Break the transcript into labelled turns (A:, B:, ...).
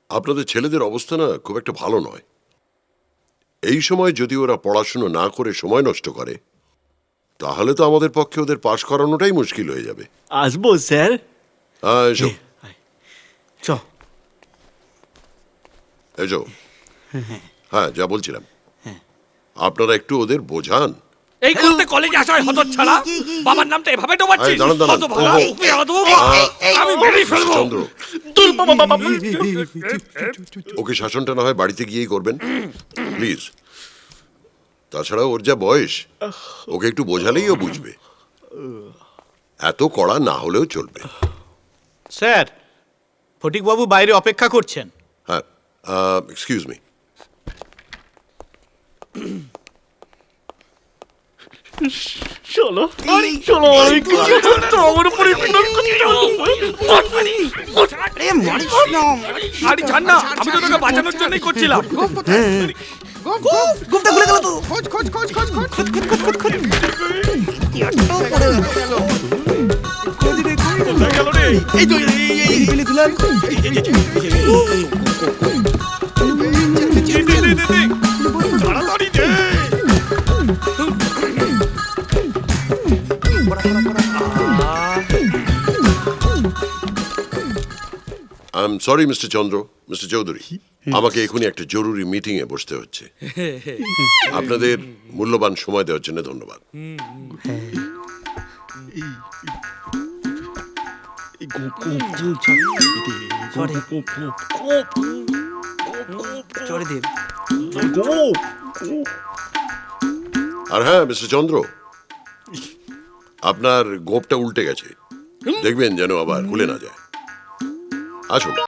A: আপনাদের ছেলেদের অবস্থা না খুব একটা ভালো নয়। এই সময় যদি ওরা পড়াশুনো না করে সময় নষ্ট করে, তাহলে তো আমাদের পক্ষে ওদের পাশ করানোটাই মুশকিল হয়ে যাবে।
B: আসবো স্যার।
A: এসো
B: চ।
A: এসো। হ্যাঁ, যা বলছিলাম, আপনারা একটু ওদের বোঝান।
C: এই করতে কলেজে আসা হয় হতচ্ছাড়া, বাবার নামটা এভাবে ডোবাচ্ছিস?
A: দাঁড়ান, দাঁড়ান।
C: হতভাগা,
A: ওহো।
C: বেয়াদব, আমি বেরিয়ে ফেলবো।
A: চন্দ্র,
B: দূর বাবা বাবা।
A: ওকে শাসনটা না হয় বাড়িতে গিয়েই করবেন, প্লিজ। তাছাড়া ওর যা বয়স, ওকে একটু বোঝালেই ও বুঝবে। এত কড়া না হলেও চলবে।
D: স্যার, ফটিকবাবু বাইরে অপেক্ষা করছেন।
A: হ্যাঁ, এক্সকিউজ মি।
B: চলো চলো, আমার উপরে
C: আরে ছাড় না, আমি তো তোকে বাঁচানোর জন্যই করছিলাম।
E: গুপ্তা খুলে গেল তো। খোঁজ খোঁজ খোঁজ খোঁজ খোঁজ খোঁজ খোঁজ খোঁজ খোঁজ এই তো এই দিলাম।
C: তাড়াতাড়ি দে।
A: I am sorry mister Chandra, mister Chowdhury, আমাকে এখনই একটা জরুরি মিটিং এ বসতে হচ্ছে। আপনাদের মূল্যবান সময় দেওয়ার জন্য ধন্যবাদ।
E: চড়ে দেব।
A: আর হ্যাঁ মিস্টার চন্দ্র, আপনার গোঁপটা উল্টে গেছে, দেখবেন যেন আবার খুলে না যায়। আসুন।